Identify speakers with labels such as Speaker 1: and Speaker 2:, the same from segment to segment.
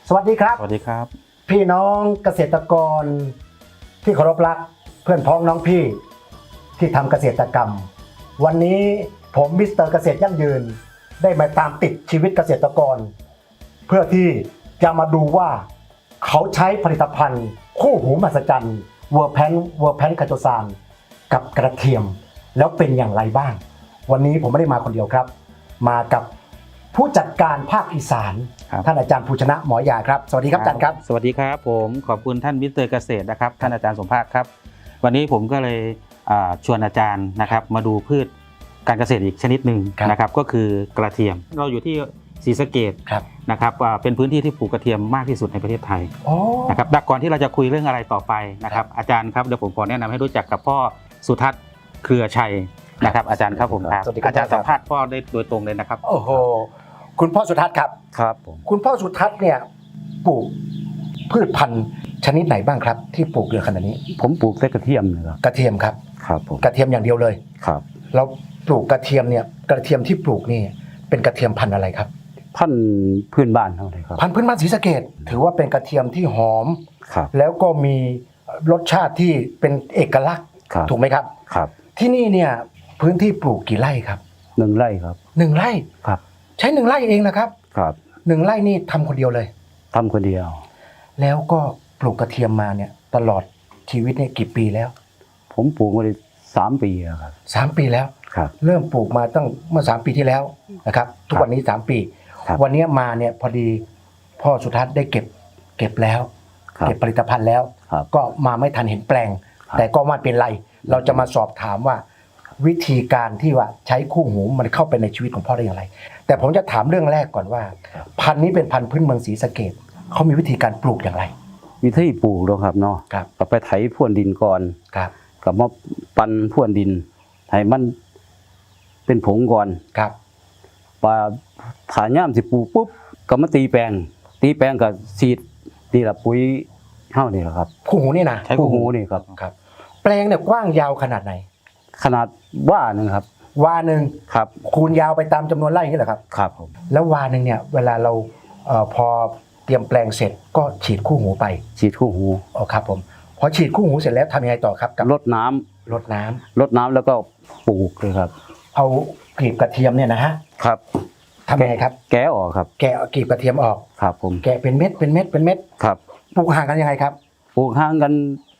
Speaker 1: สวัสดีครับ
Speaker 2: สวัสดีครับ
Speaker 1: พี่น้องเกษตรกรที่เคารพรักเพื่อนพ้องน้องพี่ที่ทำเกษตรกรรมวันนี้ผมมิสเตอร์เกษตรยั่งยืนได้มาตามติดชีวิตเกษตรกรเพื่อที่จะมาดูว่าเขาใช้ผลิตภัณฑ์คู่หูมหัศจรรย์เวอร์แพนคาโตซานกับกระเทียมแล้วเป็นอย่างไรบ้างวันนี้ผมไม่ได้มาคนเดียวครับมากับผู้จัดการภาคอีสานท่านอาจารย์ภูชนะหมอยาครับสวัสดีครับอาจารย์ครับ
Speaker 2: สวัสดีครับผมขอบคุณท่านมิสเตอร์เกษตรนะครับท่านอาจารย์สมภาคครับวันนี้ผมก็เลยชวนอาจารย์นะครับมาดูพืชการเกษตรอีกชนิดหนึ่งนะครับก็คือกระเทียมเราอยู่ที่ศรีสะเกษนะครับเป็นพื้นที่ที่ปลูกกระเทียมมากที่สุดในประเทศไทยนะครับก่อนที่เราจะคุยเรื่องอะไรต่อไปนะครับอาจารย์ครับเดี๋ยวผมขอแนะนำให้รู้จักกับพ่อสุทัศน์เครือชัยนะครับอาจารย์ครับผมครับอาจารย์สัมภาษณ์พ่อได้โดยตรงเลยนะครับ
Speaker 1: โอ้โหคุณพ่อสุทัศน์ครับ
Speaker 2: ครับผม
Speaker 1: คุณพ่อสุทัศน์เนี่ยปลูกพืชพันธุ์ชนิดไหนบ้างครับที่ปลูกเยอะขนาดนี้
Speaker 3: ผมปลูกแต่กระเทียมนะครับ
Speaker 1: กระเทียมครับ
Speaker 3: ครับผม
Speaker 1: กระเทียมอย่างเดียวเลย
Speaker 3: ครับ
Speaker 1: เราปลูกกระเทียมเนี่ยกระเทียมที่ปลูกนี่เป็นกระเทียมพันธุ์อะไรครับ
Speaker 3: พันธุ์พื้นบ้านเท่าไหร่ครับ
Speaker 1: พันธุ์พื้นบ้านศรีสะเกษถือว่าเป็นกระเทียมที่หอม
Speaker 3: ครับ
Speaker 1: แล้วก็มีรสชาติที่เป็นเอกลักษณ์ถูกไหมครับ
Speaker 3: ครับ
Speaker 1: ที่นี่เนี่ยพื้นที่ปลูกกี่ไร่ครับ
Speaker 3: 1 ไร่ครับ
Speaker 1: 1 ไร่
Speaker 3: ครับ
Speaker 1: ใช้1 ไร่เองนะครับ
Speaker 3: ครับ
Speaker 1: 1 ไร่นี่ทำคนเดียวเลย
Speaker 3: ทำคนเดียว
Speaker 1: แล้วก็ปลูกกระเทียมมาเนี่ยตลอดชีวิตเนี่ยกี่ปีแล้ว
Speaker 3: ผมปลูกมาได้3 ปีครับ
Speaker 1: 3 ปีแล้ว
Speaker 3: ครับ
Speaker 1: เริ่มปลูกมาตั้งเมื่อ3 ปีที่แล้วนะครับทุกวันนี้3 ปีวันนี้มาเนี่ยพอดีพ่อสุทัศน์ได้เก็บแล้วเก็บผลิตภัณฑ์แล้วก็มาไม่ทันเห็นแปลงแต่ก็ไม่เป็นไรเราจะมาสอบถามว่าวิธีการที่ว่าใช้คู่หูมันเข้าไปในชีวิตของพ่อได้อย่างไรแต่ผมจะถามเรื่องแรกก่อนว่าพันธุ์นี้เป็นพันธุ์พื้นเมืองศรีสะเกษเขามีวิธีการปลูกอย่างไร
Speaker 3: วิธีปลูกแล้วครับเนาะก็ไปไถพรวนดินก่อนกับมาปั่นพรวนดินให้มันเป็นผงก่อน
Speaker 1: ครับ
Speaker 3: ปลาถาย่ามสิปลูกปุ๊บก็มาตีแปลงก็ฉีดนี่ละปุ๋ยเท่านี่แหละครับ
Speaker 1: คู่หูนี่นะ
Speaker 3: คู่หูนี่ครับ
Speaker 1: แปลงเนี่ยกว้างยาวขนาดไหน
Speaker 3: ขนาดว่าหนึ่งครับ
Speaker 1: วาหนึ่ง
Speaker 3: ครับ
Speaker 1: คูณยาวไปตามจำนวนไร่นี่แหละครับ
Speaker 3: ครับผม
Speaker 1: แล้ววาหนึ่งเนี่ยเวลาเราพอเตรียมแปลงเสร็จก็ฉีดคู่หูไป
Speaker 3: ฉีดคู่หู
Speaker 1: อ๋อครับผมพอฉีดคู่หูเสร็จแล้วทำยังไงต่อครับ
Speaker 3: กับรดน้ำ
Speaker 1: แล้วก็
Speaker 3: ปลูกเลยครับ
Speaker 1: เอากลีบกระเทียมเนี่ยนะฮะ
Speaker 3: ครับ
Speaker 1: ทำยังไงครับ
Speaker 3: แกะออกครับ
Speaker 1: แกะกลีบกระเทียมออก
Speaker 3: ครับผม
Speaker 1: แกะเป็นเม็ด
Speaker 3: ครับ
Speaker 1: ปลูกห่างกันยังไงครับ
Speaker 3: ปลูกห่างกัน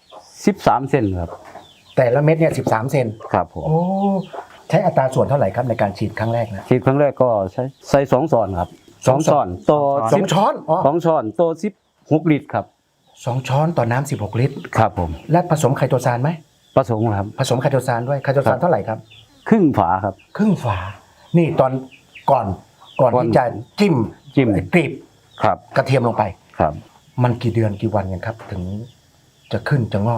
Speaker 3: 13 เซนครับ
Speaker 1: แต่ละเม็ดเนี่ย13 เซน
Speaker 3: ครับผม
Speaker 1: โอ้ใช้อัตราส่วนเท่าไหร่ครับในการฉีดครั้งแรกนะ
Speaker 3: ฉีดครั้งแรกก็ใส่2 ช้อนครับ2 ช้อนโต
Speaker 1: 2 ช้อน
Speaker 3: 2 ช้อนโต16 ลิตรครับ
Speaker 1: 2 ช้อนต่อน้ำ16 ลิตร
Speaker 3: ครับผม
Speaker 1: และผสมไคโตซานไหม
Speaker 3: ผสมครับ
Speaker 1: ผสมไคโตซานด้วยไคโตซานเท่าไหร่ครับ
Speaker 3: ครึ่งฝาครับ
Speaker 1: ครึ่งฝานี่ตอนก่อนที่จะจิ้มกลีบ
Speaker 3: ครับ
Speaker 1: กระเทียมลงไป
Speaker 3: ครับ
Speaker 1: มันกี่เดือนกี่วันกันครับถึงจะขึ้นจะงอก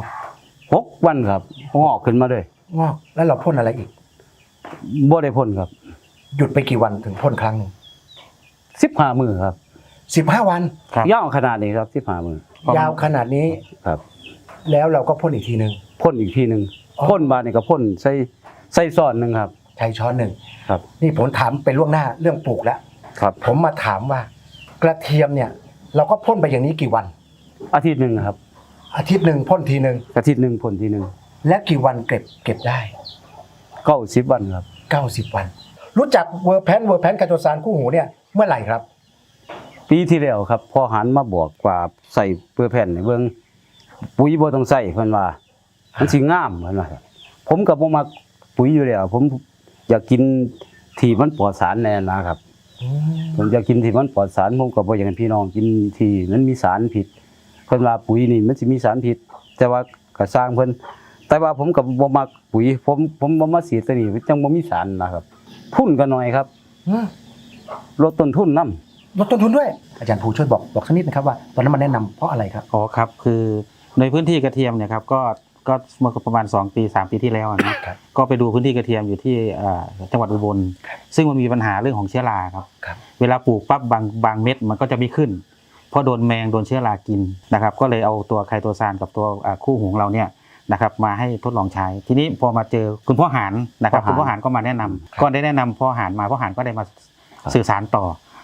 Speaker 3: 6 วันครับงอกขึ้นมาเลย
Speaker 1: งอกแล้วเราพ่นอะไรอีก
Speaker 3: บ่ได้พ่นครับ
Speaker 1: หยุดไปกี่วันถึงพ่นครั้งนึง
Speaker 3: 15 มื้อครับ
Speaker 1: 15 วัน
Speaker 3: ยาวขนาดนี้ครับ15 มื้อย
Speaker 1: าวขนาดนี้
Speaker 3: ครับ
Speaker 1: แล้วเราก็พ่นอีกทีนึง
Speaker 3: พ่นบาดนี่ก็พ่นใส่ช้อนนึงครับ
Speaker 1: ใช้ช้อนนึง
Speaker 3: ครับ
Speaker 1: นี่ผมถามไปล่วงหน้าเรื่องปลูกแล้ว
Speaker 3: ครับ
Speaker 1: ผมมาถามว่ากระเทียมเนี่ยเราก็พ่นไปอย่างนี้กี่วัน
Speaker 3: อาทิตย์นึงครับ
Speaker 1: อาทิตย์นึงพ่นทีนึง
Speaker 3: อาทิตย์นึงพ่นทีนึง
Speaker 1: และกี่วันเก็บได้
Speaker 3: 90 วันครับ
Speaker 1: 90 วันรู้จักเวอร์แพนคาโตซานคู่หูเนี่ยเมื่อไหร่ครับ
Speaker 3: ปีที่แล้วครับพอหันมาบอกว่าใส่เวอร์แพนในเบิ่งปุ๋ยบ่ต้องใส่เพิ่นว่ามันสิงามเพิ่นว่าผมก็บ่มักปุ๋ยอยู่แล้วผมอยากกินที่มันปลอดสารแน่นะครับผมอยากกินที่มันปลอดสารผมก็บ่อยากให้พี่น้องกินที่มันมีสารพิษเพิ่นว่าปุ๋ยนี่มันสิมีสารพิษแต่ว่าก็สร้างเพิ่นแต่ว่าผมก็บ่มักปุ๋ยผมบ่มาฉีดตัวนี้จังบ่มีสารนะครับทุนก็น้อยครับลดต้นทุนนำ
Speaker 1: ลดต้นทุนด้วยอาจารย์ภูช่วยบอกสักนิดนะครับว่าตอนนั้นมันแนะนำเพราะอะไรครับ
Speaker 2: อ๋อครับคือในพื้นที่กระเทียมเนี่ยครับก็เมื่อประมาณ2 ปี 3 ปีที่แล้วนะก็ไปดูพื้นที่กระเทียมอยู่ที่จังหวัดอุบลซึ่งมันมีปัญหาเรื่องของเชื้อราครับเวลาปลูกปั๊บบางเม็ดมันก็จะไม่ขึ้นเพราะโดนแมงโดนเชื้อรากินนะครับก็เลยเอาตัวไคโตซานกับตัวคู่หูของเราเนี่ยนะครับมาให้ทดลองใช้ทีนี้พอมาเจอคุณพ่อหานนะครับคุณพ่อหานก็มาแนะนำก็ได้แนะนำพ่อหานมาพ่อหานก็ได้มาสื่อสารต่อ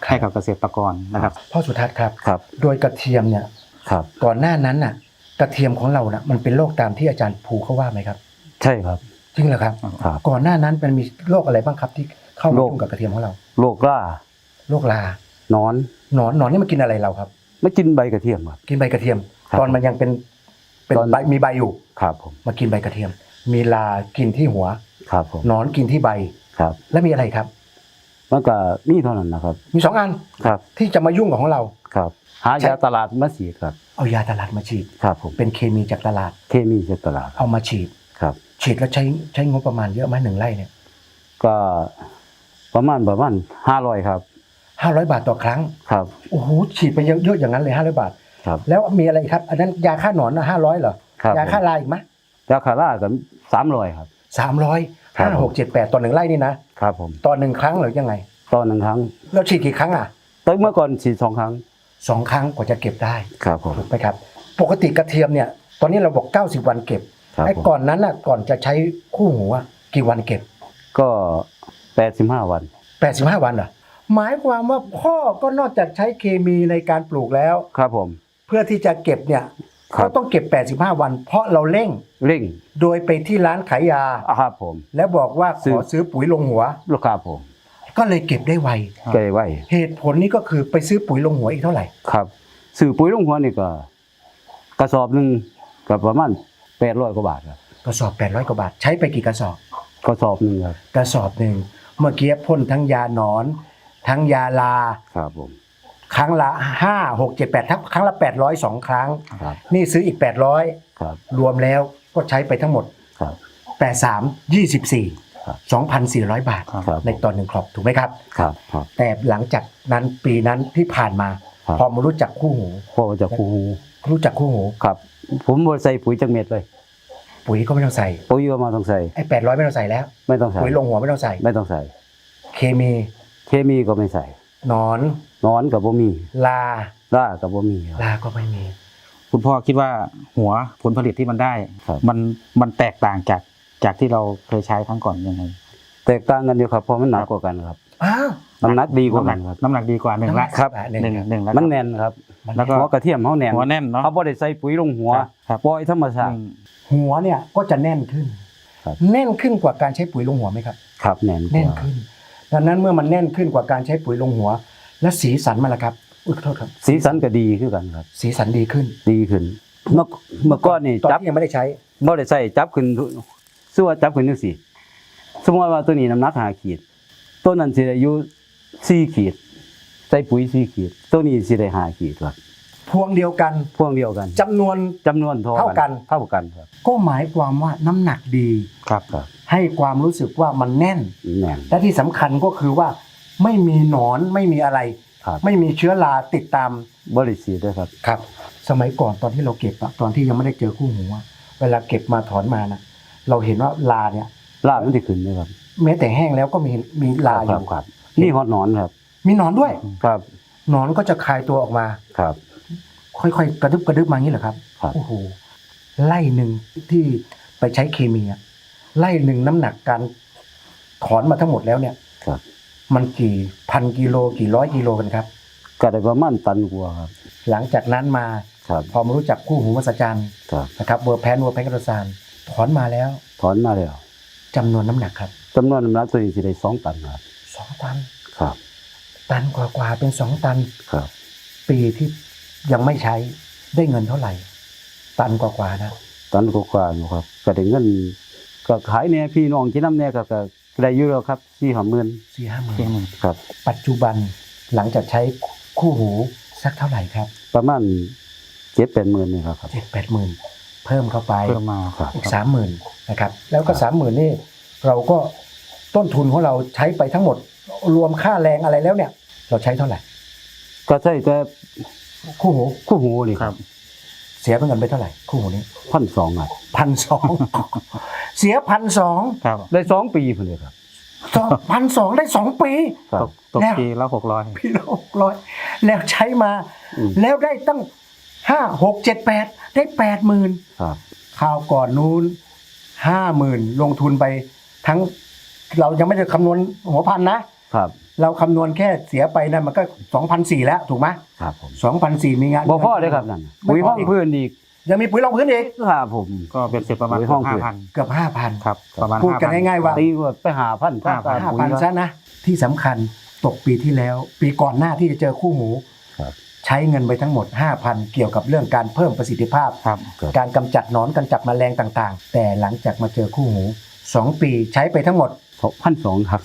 Speaker 2: ให้กับเกษตรกรนะครับ
Speaker 1: พ่อสุทัศน์ครับ
Speaker 3: ครับ
Speaker 1: โดยกระเทียมเนี่ย
Speaker 3: ครับ
Speaker 1: ก่อนหน้านั้นน่ะกระเทียมของเราน่ะมันเป็นโรคตามที่อาจารย์ภูเขาว่าไหมครับ
Speaker 3: ใช่ครับ
Speaker 1: จริงเหรอครับ
Speaker 3: ครับ
Speaker 1: ก่อนหน้านั้นมันมีโรคอะไรบ้างครับที่เข้ามา
Speaker 3: โรค
Speaker 1: ยุ่งกับกระเทียมของเรา
Speaker 3: โรครา
Speaker 1: โรครา
Speaker 3: หนอน
Speaker 1: หนอนนี่มันกินอะไรเราครับ
Speaker 3: ไม่กินใบกระเทียมครับ
Speaker 1: กินใบกระเทียม
Speaker 3: ครับ
Speaker 1: ตอนมันยังเป็น
Speaker 3: ตอน
Speaker 1: ใบมีใบอยู่
Speaker 3: ครับผม
Speaker 1: มากินใบกระเทียม มีลากินที่หัว
Speaker 3: ครับผม
Speaker 1: หนอนกินที่ใบ
Speaker 3: ครับ
Speaker 1: และมีอะไรครับ
Speaker 3: มันก็นี่เท่านั้นนะครับ
Speaker 1: มี2 อัน
Speaker 3: ครับ
Speaker 1: ที่จะมายุ่งกับของเรา
Speaker 3: ครับ หายาตลาดมาฉีดครับ
Speaker 1: เอายาตลาดมาฉีด
Speaker 3: ครับผม
Speaker 1: เป็นเคมีจากตลาด
Speaker 3: เคมีจากตลาด
Speaker 1: เอามาฉีด
Speaker 3: ครับ
Speaker 1: ฉีดแล้วใช้งบประมาณเยอะไหม1 ไร่เนี่ย
Speaker 3: ก็ประมาณ500ครับ
Speaker 1: 500 บาทต่อครั้ง
Speaker 3: ครับ
Speaker 1: โอ้โหฉีดไปเยอะอย่างนั้นเลย500 บาท
Speaker 3: ครับ
Speaker 1: แล้วมีอะไรอีกครับ อันนั้นยาฆ่าหนอนนะ500เหรอ
Speaker 3: ครับ
Speaker 1: ยาฆ่าลาอีกไหม
Speaker 3: ยาคาร่าก็300ครับ
Speaker 1: 300
Speaker 3: ครับ
Speaker 1: 5 6 7 8ต่อ1 ไร่นี่นะครับ
Speaker 3: ผม
Speaker 1: ต่อ1 ครั้งหรือยังไง
Speaker 3: ต่อหนึ่งครั้ง
Speaker 1: แล้วฉีดกี่ครั้งอ่ะ
Speaker 3: แต่เมื่อก่อนฉีด2 ครั้ง
Speaker 1: 2 ครั้งกว่าจะเก็บได้
Speaker 3: ครับผม
Speaker 1: ถูกไหมครับ ปกติกระเทียมเนี่ย ตอนนี้เราบอก90 วันเก็บ
Speaker 3: ครับ
Speaker 1: ไอ้
Speaker 3: ผม
Speaker 1: ก่อนนั้นน่ะก่อนจะใช้คู่หูอ่ะกี่วันเก็บ
Speaker 3: ก็85 วัน
Speaker 1: 85 วันเหรอหมายความว่าพ่อก็นอกจากใช้เคมีในการปลูกแล้ว
Speaker 3: ครับผม
Speaker 1: เพื่อที่จะเก็บเนี่ย
Speaker 3: ครั
Speaker 1: ก็
Speaker 3: บ
Speaker 1: ต้องเก็บ85 วัน เพราะเราเร่ง
Speaker 3: เร่ง
Speaker 1: โดยไปที่ร้านขายยา
Speaker 3: ครับผม
Speaker 1: แล้วบอกว่าข
Speaker 3: ซื้อ
Speaker 1: อซื้อปุ๋ยลงหัว
Speaker 3: ลูกค้าผม
Speaker 1: ก็เลยเก็บได้ไว
Speaker 3: เกยไว้
Speaker 1: เหตุผลนี้ก็คือไปซื้อปุ๋ยลงหัวอีกเท่าไหร่
Speaker 3: ครับซื้อปุ๋ยลงหัวนี่ก็กระสอบหนึงก็ประมาณ800 กว่าบาทครับ
Speaker 1: กระสอบ800 กว่าบาทใช้ไปกี่กระสอบ
Speaker 3: กระสอบหนึงครับ
Speaker 1: กระสอบหนึ่งเมื่อกี้พ่นทั้งยาหนอน ทั้งยาลา
Speaker 3: ครับผม
Speaker 1: ครั้งละ5 6 7 8ทั้งครั้งละ800 2 ครั้ง
Speaker 3: ครับ
Speaker 1: นี่ซื้ออีก800
Speaker 3: ครับ
Speaker 1: รวมแล้วก็ใช้ไปทั้งหมด
Speaker 3: ครับ
Speaker 1: 83 24
Speaker 3: ครับ
Speaker 1: 2,400 บาท
Speaker 3: ครับ
Speaker 1: ในตอน1 ครอบถูกไหมครับ
Speaker 3: ครับครับ
Speaker 1: แต่หลังจากนั้นปีนั้นที่ผ่านมา
Speaker 3: ครับ
Speaker 1: พอมารู้จักคู่หู
Speaker 3: พ่อจะคูหู
Speaker 1: รู้จักคู่หู
Speaker 3: ครับ ผมบ่ใส่ปุ๋ยจักเม็ดเลย
Speaker 1: ปุ๋ยก็ไม่ต้องใส่
Speaker 3: ปุ๋ยก็มาต้องใส่
Speaker 1: ไอ้800ไม่ต้องใส่แล้ว
Speaker 3: ไม่ต้องใส่
Speaker 1: ปุ๋ยลงหัวไม่ต้องใส่
Speaker 3: ไม่ต้องใส่
Speaker 1: เคมี
Speaker 3: เคมีก็ไม่ใส่
Speaker 1: หนอน
Speaker 3: หนอนก็บ่มี
Speaker 1: ลา
Speaker 3: ราก็บ่มีครับ
Speaker 1: ลาก็ไม่มี
Speaker 2: คุณพ่อคิดว่าหัวผลผลิตที่มันได้
Speaker 3: ครับ
Speaker 2: มันแตกต่างจากที่เราเคยใช้ครั้งก่อนยังไง
Speaker 3: แตกต่างกันอยู่ครับเพราะมันหนักกว่ากันครับ
Speaker 1: อ้าว
Speaker 3: น้ำหนักดีกว่ากันครับ
Speaker 2: น้ำหนักดีกว่าหนึ่งละ
Speaker 3: ครับ
Speaker 1: หนึ่ง
Speaker 2: หนึ่งแล้ว
Speaker 3: มันแน่นครับ
Speaker 2: แล้วก็
Speaker 3: หัวกระเทียมเฮาแน่น
Speaker 2: หัวแน่นเนาะ
Speaker 3: เขาบ่ได้ใส่ปุ๋ยลงหัว
Speaker 2: ครับ
Speaker 3: ปล่อยธรรมชาติ
Speaker 1: หัวเนี่ยก็จะแน่นขึ้น
Speaker 3: ครับ
Speaker 1: แน่นขึ้นกว่าการใช้ปุ๋ยลงหัวไหมครับ
Speaker 3: ครับแน่นก
Speaker 1: แน่น
Speaker 3: ว่า
Speaker 1: ขึ้น ดังนั้นเมื่อมันแน่นขึ้นกว่าการใช้ปุ๋ยลงหัว และสีสันมันล่ะครับอุ๊ยขอโทษครับ
Speaker 3: สีสันก็ดีคือกันครับ
Speaker 1: สีสันดีขึ้น
Speaker 3: ดีขึ้น เมื่อก่อนนี่
Speaker 1: ตอน
Speaker 3: จับ
Speaker 1: ที่ยังไม่ได้ใช้
Speaker 3: บ่ได้ใส่จับขึ้นสู้ว่าจับขึ้นจังซี่สมมุติว่าตัวนี้น้ำหนัก5 ขีดตัวนั้นสิได้อยู่4 ขีดใส่ปุ๋ย4 ขีดตัวนี้สิได้5 ขีดครับ
Speaker 1: พวงเดียวกัน
Speaker 3: พวงเดียวกัน
Speaker 1: จำนวน
Speaker 3: จำนวนเท่า
Speaker 1: เท่ากัน
Speaker 3: เท่ากันครับ
Speaker 1: ก็หมายความว่าน้ำหนักดี
Speaker 2: ครับ
Speaker 3: ครับ
Speaker 1: ให้ความรู้สึกว่ามันแน่น
Speaker 3: แน่น
Speaker 1: และที่สำคัญก็คือว่าไม่มีหนอนไม่มีอะไร
Speaker 3: ครับ
Speaker 1: ไม่มีเชื้อราติดตาม
Speaker 3: บริสีด้วยครับ
Speaker 1: ครับ สมัยก่อนตอนที่เราเก็บอะตอนที่ยังไม่ได้เจอคู่หูอะเวลาเก็บมาถอนมานะเราเห็นว่าลาเนี่ย
Speaker 3: ลาบมันสิขึ้นด้วยครับ
Speaker 1: แม้แต่แห้งแล้วก็มีลาอยู่
Speaker 3: ครับนี่ฮอดหนอนครับ
Speaker 1: มีหนอนด้วย
Speaker 3: ครับ
Speaker 1: หนอนก็จะคลายตัวออกมา
Speaker 3: ครับ
Speaker 1: ค่อยๆกระดึบกระดึบมาอย่างนี้เหรอครับ
Speaker 3: ครับ
Speaker 1: โอ้โหไล่หนึ่งที่ไปใช้เคมีอะไล่หนึ่งน้ำหนักการถอนมาทั้งหมดแล้วเนี่ย
Speaker 3: ครับ
Speaker 1: มันกี่พันกิโลกี่ร้อยกิโลกันครับ
Speaker 3: ก็ได้ประมาณตันกว่าครับ
Speaker 1: หลังจากนั้นมา
Speaker 3: ครับ
Speaker 1: พอมารู้จักคู่หูมหัศจรรย์
Speaker 3: ครับ
Speaker 1: นะครับเวอร์แพนกระซานถอนมาแล้ว
Speaker 3: ถอนมาแล้ว
Speaker 1: จำนวนน้ำหนักครับ
Speaker 3: จำนวนน้ำหนักตัวนี้สิได้2 ตันครับ
Speaker 1: 2 ตัน
Speaker 3: ครับ
Speaker 1: ตันกว่าๆเป็น2 ตัน
Speaker 3: ครับ
Speaker 1: ปีที่ยังไม่ใช้ได้เงินเท่าไหร่ ตันกว่าๆนะ
Speaker 3: ตันกว่าๆอยู่ครับก็ได้เงินก็ขายเนี่ยพี่น้องกินน้ำเนี่ยก็ได้อยู่แล้วครับ4-5 หมื่น
Speaker 1: 4-5 หมื่
Speaker 2: เพียง
Speaker 1: น
Speaker 2: หนึ่ง
Speaker 3: ครับ
Speaker 1: ปัจจุบันหลังจากใช้คู่หูสักเท่าไหร่ครับ
Speaker 3: ประมาณ 7-8 หมื่นนี่ครับ
Speaker 1: 7-8 หมื่นเพิ่มเข้าไป
Speaker 2: เพิ่มมา
Speaker 3: ครับ
Speaker 1: อีก 30,000นะครับแล้วก็ 30,000นี่เราก็ต้นทุนของเราใช้ไปทั้งหมดรวมค่าแรงอะไรแล้วเนี่ย เราใช้เท่าไหร่
Speaker 3: ก็ใช้แต่
Speaker 1: คู่หู
Speaker 3: คู่หูนี่ครับ
Speaker 1: เสียเป็นเงินไปเท่าไหร่คู่หูนี้
Speaker 3: 1,200ครับ
Speaker 1: 1,200 เสีย1,200
Speaker 2: ครับ
Speaker 3: ได้2 ปีพุ่นเลยครับ
Speaker 1: 1,200ได้2 ปี
Speaker 3: ครั
Speaker 2: ต
Speaker 3: บ
Speaker 2: ก
Speaker 1: แล้ว
Speaker 2: ปีละ600
Speaker 1: พี่ละ600แล้วใช้มา
Speaker 3: อืม
Speaker 1: แล้วได้ตั้ง5 6 7 8ได้80,000
Speaker 3: ครับ
Speaker 1: คราวก่อนนู้น 50,000 ลงทุนไปทั้งเรายังไม่ได้คำนวณหัวพันนะครับเราคำนวณแค่เสียไปนั่นมันก็ 2,400 แล้วถูกไหม
Speaker 3: ครับผม
Speaker 1: 2,400มีงาน
Speaker 3: บ่พอเลยครับนั่นปุ๋ยห้องพื้นอีก
Speaker 1: ยังมีปุ๋ยรองพื้นอีก
Speaker 3: ครับผม
Speaker 2: ก็เป็นเสร็จประมาณ
Speaker 3: โอ้ยห้อง
Speaker 2: 5,000
Speaker 1: เกือบ 5,000
Speaker 2: ครับประมาณ
Speaker 1: พูดกัน
Speaker 2: 5,000
Speaker 1: ง่ายๆว่า
Speaker 3: ตีว่าไปหาพันค่าปุ๋ย
Speaker 1: 5,000ซะนะที่สำคัญตกปีที่แล้ว ปีก่อนหน้าที่จะเจอคู่หู
Speaker 3: ครับ
Speaker 1: ใช้เงินไปทั้งหมด 5,000 เกี่ยวกับเรื่องการเพิ่มประสิทธิภาพ
Speaker 2: ครับ
Speaker 1: การกำจัดหนอนกำจัดแมลงต่างๆ แต่หลังจากมาเจอคู่หู 2 ปีใช้ไปทั้งหมด
Speaker 3: 1,200ครับ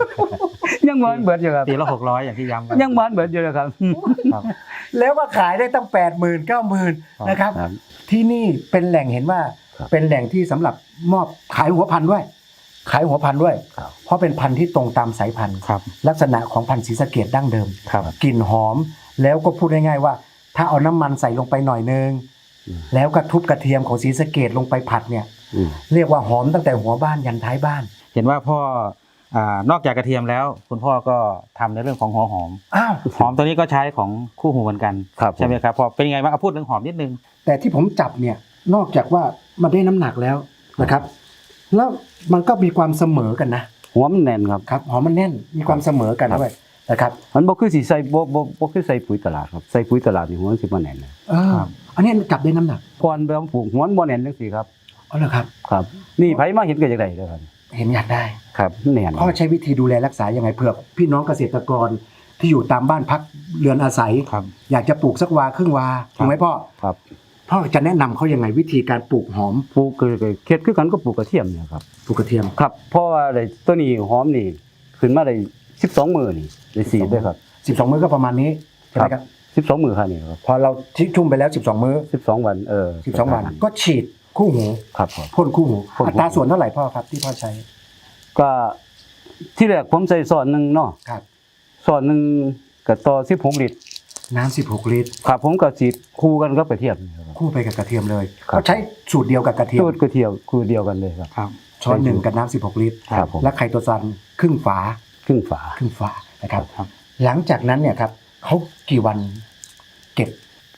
Speaker 3: 1,200ยังมันเบิดอยู่ครับ
Speaker 2: ปีละ600อย่างที่ย้ำกัน
Speaker 3: ยังมันเบิดอยู่เลยครับ
Speaker 2: ครับ
Speaker 1: แล้วก็ขายได้ตั้ง 80,000 90,000นะครับ
Speaker 3: ครับ
Speaker 1: ที่นี่เป็นแหล่งเห็นว่า
Speaker 3: ครับ
Speaker 1: เป็นแหล่งที่สำหรับมอบขายหัวพันธุ์ด้วย ขายหัวพันธุ์ด้วย
Speaker 3: ครับ
Speaker 1: เพราะเป็นพันธุ์ที่ตรงตามสายพันธุ์
Speaker 2: ครับ
Speaker 1: ลักษณะของพันธุ์ศรีสะเกษดั้งเดิม
Speaker 2: ครับ
Speaker 1: กลิ่นหอม แล้วก็พูดง่ายๆว่า ถ้าเอาน้ำมันใส่ลงไปหน่อยนึง แล้วก็ทุบกระเทียมของศรีสะเกษลงไปผัดเนี่ย
Speaker 3: อืม
Speaker 1: เรียกว่าหอมตั้งแต่หัวบ้านยันท้ายบ้าน
Speaker 2: เห็นว่าพ่อนอกจากกระเทียมแล้ว คุณพ่อก็ทำในเรื่องของหัวหอม
Speaker 1: อ้าว
Speaker 2: หอมตัวนี้ก็ใช้ของคู่หูเหมือนกัน
Speaker 3: ครับ
Speaker 2: ใช่ไหมครับพอเป็นยังไงบ้างเอาพูดเรื่องหอมนิดนึง
Speaker 1: แต่ที่ผมจับเนี่ยนอกจากว่ามันได้น้ำหนักแล้วนะครับ แล้วมันก็มีความเสมอกันนะ
Speaker 3: หัวมันแน่นครับ
Speaker 1: ครับหอมมันแน่นมีความเสมอกันด้วยนะครับ
Speaker 3: มันบ่คือสิใส่บ่คือใส่ปุ๋ยตลาดครับใส่ปุ๋ยตลาดนี่หัวมันสิบ่แน่นนะ
Speaker 2: ครับ
Speaker 1: อันนี้จับได้น้ำหนัก
Speaker 3: ก่อนไปเอาปลูกหัวมันบ่แน่นจังซี่ครับ
Speaker 1: อ๋อเหรอครับ
Speaker 3: ครับ นี่ไผมาเห็นก็จังได๋เด้อครับ
Speaker 1: เห็นอยากได้
Speaker 3: ครับมันแน่น
Speaker 1: พ่อใช้วิธีดูแลรักษายังไงเผื่อพี่น้องเกษตรกรที่อยู่ตามบ้านพักเรือนอาศัย
Speaker 2: ครับ
Speaker 1: อยากจะปลูกสักวาครึ่งวาถูกไหมพ่อ
Speaker 3: ครับ
Speaker 1: พ่อจะแนะนำเขายังไงวิธีการปลูกหอม
Speaker 3: ปลูกก็เฮ็ดคือกันก็ปลูกกระเทียมเนี่ยครับ
Speaker 1: ปลูกกระเทียม
Speaker 3: ครับเพราะว่าได้ตัวนี้หอมนี่ขึ้นมาได้12มื้อนี่ได้สีดด้วยครับ
Speaker 1: 12 มื้อก็ประมาณนี้ใช่ไหมครับ
Speaker 3: 12มื้อค่ะนี่ครับ
Speaker 1: พอเราชุ่มไปแล้ว 12 มื้อ
Speaker 3: 12 วัน
Speaker 1: 12 วันก็ฉีดคู่หู
Speaker 3: ครับผม
Speaker 1: พ่นคู่หู
Speaker 3: พ่นคู่หู
Speaker 1: อัตราส่วนเท่าไหร่พ่อครับที่พ่อใช้
Speaker 3: ก็ที่แรกผมใส่ซอนหนึงเนาะ
Speaker 1: ครับ
Speaker 3: ซอนหนึงก็ต่อ16ลิตร
Speaker 1: น้ำ16 ลิตร
Speaker 3: ครับผมก็สีดคู่กันกับกระเทียมนี่ครับ
Speaker 1: คู่ไปกับกระเทียมเลย
Speaker 3: ครับ
Speaker 1: ก็ใช้สูตรเดียวกับกระเทียม
Speaker 3: สูตรกระเทียมคู่เดียวกันเลยครับ
Speaker 2: ครับ
Speaker 1: ช้อนหนึ่งกับน้ำ16 ลิตร
Speaker 3: ครับผม
Speaker 1: และไคโตซานครึ่งฝา
Speaker 3: ครึ่งฝา
Speaker 1: นะครับ
Speaker 2: ครับ
Speaker 1: หลังจากนั้นเนี่ยครับเขากี่วันเก็บ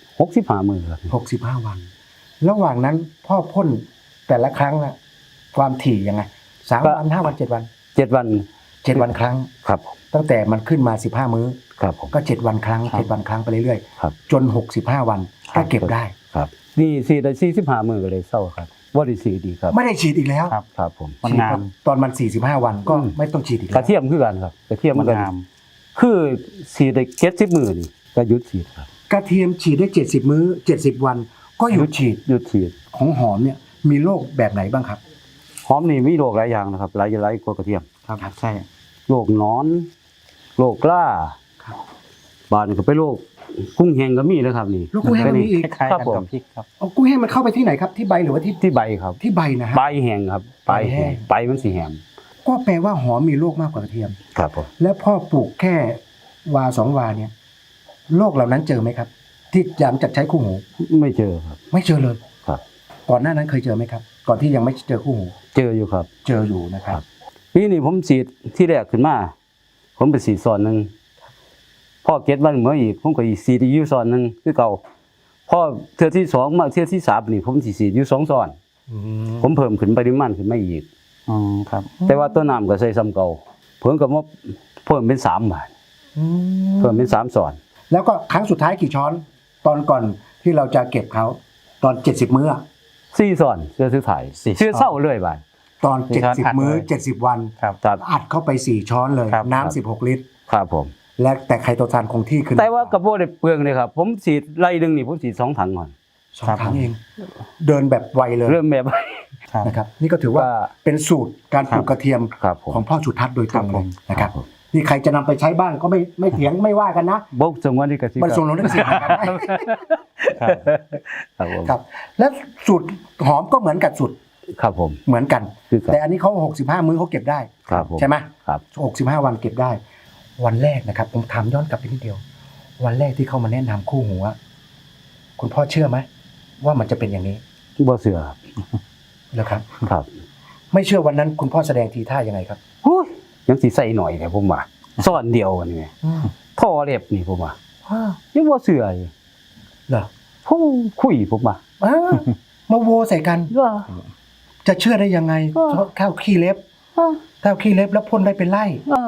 Speaker 3: 65มื้อครับ
Speaker 1: 65 วัน ระหว่างนั้นพ่อพ่นแต่ละครั้งอะความถี่ยังไง3 วัน 5 วัน 7 วัน
Speaker 3: 7 วัน
Speaker 1: 7 วันครั้ง
Speaker 3: ครับ
Speaker 1: ตั้งแต่มันขึ้นมา15 มื้อ
Speaker 3: ครับผม
Speaker 1: ก็7 วันครั้ง
Speaker 2: ครับ
Speaker 1: 7 วันครั้งไปเรื่อย
Speaker 3: ครับ
Speaker 1: ๆจน65 วันก็เก็บได้
Speaker 3: ครับนี่สีดได้45มื้อก็เลยเศร้าครับบ่ได้สีดีครับ
Speaker 1: ไม่ได้ฉีดอีกแล้ว
Speaker 2: ครับ
Speaker 3: ครับผม
Speaker 2: มันงาม
Speaker 1: ตอนมัน45 วันก็
Speaker 3: อืม
Speaker 1: ไม่ต้องฉีดอีก
Speaker 3: ก
Speaker 1: แล้
Speaker 3: ระ
Speaker 1: ว
Speaker 3: เทียมคือกันครับกระเทียม
Speaker 2: มั
Speaker 3: มัน นก็
Speaker 2: งาม
Speaker 3: คือสีดได้70มื้อนี่ก็หยุดสีดครับ
Speaker 1: กระเทียมฉีดได้70 มื้อ70 วันก็หยุดฉีด
Speaker 3: หยุดฉีด
Speaker 1: ของหอมเนี่ยมีโรคแบบไหนบ้างครับ
Speaker 3: หอมนี่มีโรคหลายอย่างนะครับหลายกว่ากระเทียม
Speaker 2: ครับใช่
Speaker 3: โรคหนอนโรคกล้า
Speaker 1: ครับ
Speaker 3: บาดนี่ก็เป็นโรคกุ้งแห้งก็มีนะครับนี่
Speaker 1: โรคกุ้งแห้งก็มีอีก
Speaker 2: คล้ายๆ
Speaker 3: ครับ
Speaker 2: กัน
Speaker 3: ผม
Speaker 2: กับพริกครับ
Speaker 1: เอากุ้งแห้งมันเข้าไปที่ไหนครับที่ใบหรือว่าที่
Speaker 3: ที่ใบครับ
Speaker 1: ที่ใบนะฮะ
Speaker 3: ใบแห้งครับใบแห้งใบมันสีแห้ง
Speaker 1: ก็แปลว่าหอมมีโรคมากกว่ากระเทียม
Speaker 3: ครับผม
Speaker 1: แล้วพ่อปลูกแค่วา2 วาเนี่ยโรคเหล่านั้นเจอไหมครับ ที่หลังจากใช้คู่หู
Speaker 3: ไม่เจอครับ
Speaker 1: ไม่เจอเลย
Speaker 3: ครับ
Speaker 1: ก่อนหน้านั้นเคยเจอไหมครับ ก่อนที่ยังไม่เจอคู่หู
Speaker 3: เจออยู่ครับ
Speaker 1: เจออยู่นะครับ
Speaker 3: ปีนี้ผมสีดที่แรกขึ้นมา ผมไปสีดซอนหนึงพ่อเก็ตวันเมื่ออีกผมก็อีกสีดอีกอยู่ซอนหนึงคือเก่าพ่อเทื่อที่2มาเทื่อที่3นี่ผมสิสีดอยู่2ซอน ผมเพิ่มขึ้นปริมาณขึ้นมาอีก
Speaker 2: อ๋อครับ
Speaker 3: แต่ว่าตัวน้ำก็ใส่ซ้ำเก่าเพิ่มก็มาเพิ่มเป็น3บาทเพิ่มเป็น3ซอน
Speaker 1: แล้วก็ครั้งสุดท้ายกี่ช้อน ตอนก่อนที่เราจะเก็บเขาตอน70 มื้อ
Speaker 3: 4ซอนเสื้อซื้อถ่าย
Speaker 2: 4
Speaker 3: เสื้อเศร้าเลยบาท
Speaker 1: ตอน
Speaker 2: ช้อนอัด
Speaker 1: 70 มื้อ
Speaker 2: เลย
Speaker 1: 70 วัน
Speaker 2: ครับ
Speaker 3: ครับ
Speaker 1: อัดเข้าไป4 ช้อนเลย
Speaker 2: ครับ
Speaker 1: น้ำ16 ลิตร
Speaker 3: ครับผม
Speaker 1: และแต่ไคโตซานคงที่ขึ้น
Speaker 3: แต่ว่ากระโปรงได้เปลืองเลยครับ ผมสีดไล่หนึงนี่ผมสีด2ถังก่อน
Speaker 1: 2 ครั้งเอง เดินแบบไวเลย
Speaker 3: เริ่มแบบ
Speaker 2: ครับ
Speaker 1: นะครับนี่ก็ถือว่า
Speaker 3: ว่า
Speaker 1: เป็นสูตรการปลูกกระเทียม
Speaker 3: ครับผม
Speaker 1: ของพ่อสุทัศน์โดยตรง
Speaker 2: ครับ
Speaker 1: เล
Speaker 2: ผ
Speaker 1: ย
Speaker 2: ม
Speaker 1: นะครับ
Speaker 3: ครับผม
Speaker 1: นี่ใครจะนำไปใช้บ้านก็ไม่เถียงไม่ว่ากันนะ
Speaker 3: บกสงวนที่กสิ
Speaker 1: มันส่งลงได้สิทธิ์นะครับ
Speaker 2: ครับ
Speaker 3: ครับผม
Speaker 1: ครับ และสูตรหอมก็เหมือนกับสูตร
Speaker 3: ครับผม
Speaker 1: เหมือนกัน
Speaker 3: คือกัน
Speaker 1: แต่อันนี้เขา65 มื้อเขาเก็บได้
Speaker 3: ครับผม
Speaker 1: ใช่ไหม
Speaker 3: ครับ
Speaker 1: 65 วันเก็บได้ วันแรกนะครับผมถามย้อนกลับไปนิดเดียว วันแรกที่เขามาแนะนำคู่หูอะคุณพ่อเชื่อไหมว่ามันจะเป็นอย่างนี้
Speaker 3: บ่เสือครับ
Speaker 1: แล้วครับ
Speaker 3: ครับ
Speaker 1: ไม่เชื่อวันนั้นคุณพ่อแสดงทีท่ายังไงครับ
Speaker 3: หุ้ยยังสิใส่หน่อยแต่ผมว่าซ่อนเดียวกันนี่ท่อเล็บนี่ผมว่ายังบ่เสืออยู่
Speaker 1: เหรอ
Speaker 3: ผู้คุยผมว่า
Speaker 1: อ้าวมาโวใส่กัน
Speaker 3: ว่า
Speaker 1: จะเชื่อได้ยังไง
Speaker 3: เออ
Speaker 1: ข้าวขี้เล็บ
Speaker 3: ว่า
Speaker 1: ข้าวขี้เล็บแล้วพ่นได้เป็นไร่
Speaker 3: ว่า
Speaker 1: เอ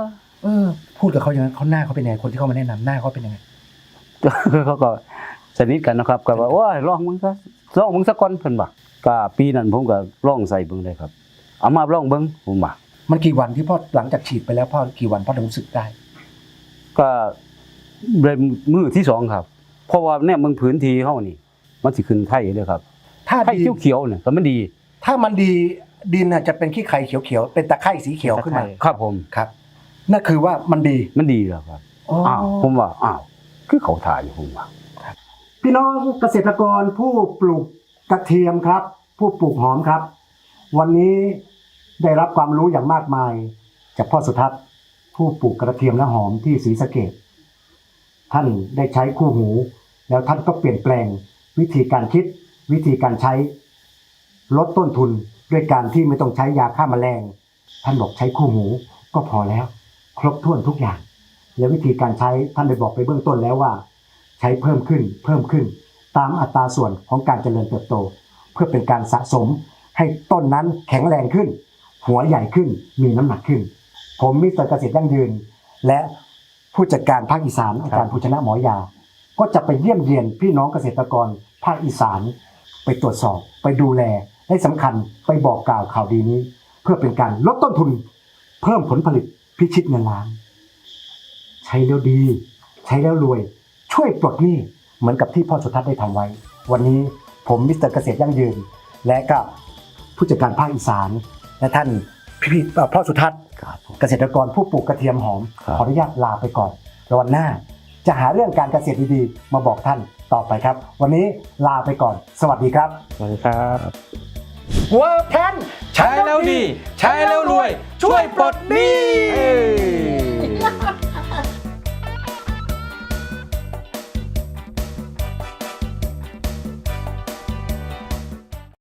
Speaker 1: พูดกับเขาอย่างนั้นเขาหน้าเขาเป็นยังไงคนที่เข้ามาแนะนำหน้าเขาเป็นยังไง
Speaker 3: เขาก็สนิทกันนะครับก็ว่าโอ้ยลองมึงสักก่อนเพิ่นว่าก็ปีนั้นผมก็ลองใส่เบิ่งเลยครับเอามาลองเบิ่งผมว่า
Speaker 1: มันกี่วันที่พ่อหลังจากฉีดไปแล้วพ่อกี่วันพ่อถึงรู้สึกได้
Speaker 3: ก็เลยมือที่สองครับเพราะว่าเนี่ยมึงพื้นที่เฮานี่มันสิขึ้นไข่เลยครับ
Speaker 1: ถ้า
Speaker 3: ไข่
Speaker 1: ดี
Speaker 3: เขียวๆเนี่ยก็มันดี
Speaker 1: ถ้ามันดีดินน่ะจะเป็นขี้ไข่เขียวๆเป็นตะไคร่สีเขียวขึ้นมา
Speaker 3: ครับผม
Speaker 1: ครับนั่นคือว่ามันดี
Speaker 3: มันดีแล้วครับอ้าวผมว่าอ้าวคือเขาถ่ายอยู่ผมว่า
Speaker 1: พี่น้องเกษตรกรผู้ปลูกกระเทียมครับ ผู้ปลูกหอมครับ วันนี้ได้รับความรู้อย่างมากมายจากพ่อสุทัศน์ผู้ปลูกกระเทียมและหอมที่ศรีสะเกษท่านได้ใช้คู่หู แล้วท่านก็เปลี่ยนแปลงวิธีการคิดวิธีการใช้ลดต้นทุนด้วยการที่ไม่ต้องใช้ยาฆ่าแมลงท่านบอกใช้คู่หูก็พอแล้ว ครบถ้วนทุกอย่าง และวิธีการใช้ท่านได้บอกไปเบื้องต้นแล้วว่า ใช้เพิ่มขึ้นตามอัตราส่วนของการเจริญเติบโต เพื่อเป็นการสะสมให้ต้นนั้นแข็งแรงขึ้น หัวใหญ่ขึ้นมีน้ำหนักขึ้น ผมมิสเตอร์เกษตรยั่งยืน และผู้จัดการภาคอีสานอาจารย์ภูชนะหมอยา ก็จะไปเยี่ยมเยียนพี่น้องเกษตรกรภาคอีสานไปตรวจสอบไปดูแลและสำคัญไปบอกกล่าวข่าวดีนี้ เพื่อเป็นการลดต้นทุน เพิ่มผลผลิตพิชิตเงินล้าน ใช้แล้วดี ใช้แล้วรวย ช่วยปลดหนี้เหมือนกับที่พ่อสุทัศน์ได้ทำไว้ วันนี้ผมมิสเตอร์เกษตรยั่งยืน และก็ผู้จัดการภาคอีสาน และท่านพ่อสุทัศน์
Speaker 3: ครับผม
Speaker 1: เกษตรกรผู้ปลูกกระเทียมหอม
Speaker 3: ครับ
Speaker 1: ขออนุญาตลาไปก่อนแล้ววันหน้า จะหาเรื่องการเกษตรดีๆมาบอกท่านต่อไปครับ วันนี้ลาไปก่อน สวัสดีครับ
Speaker 2: สวัสดีครับ
Speaker 1: เวอร์แพน
Speaker 2: ใช้แล้วดี ใช้แล้วรวย ช่วยปลดหนี้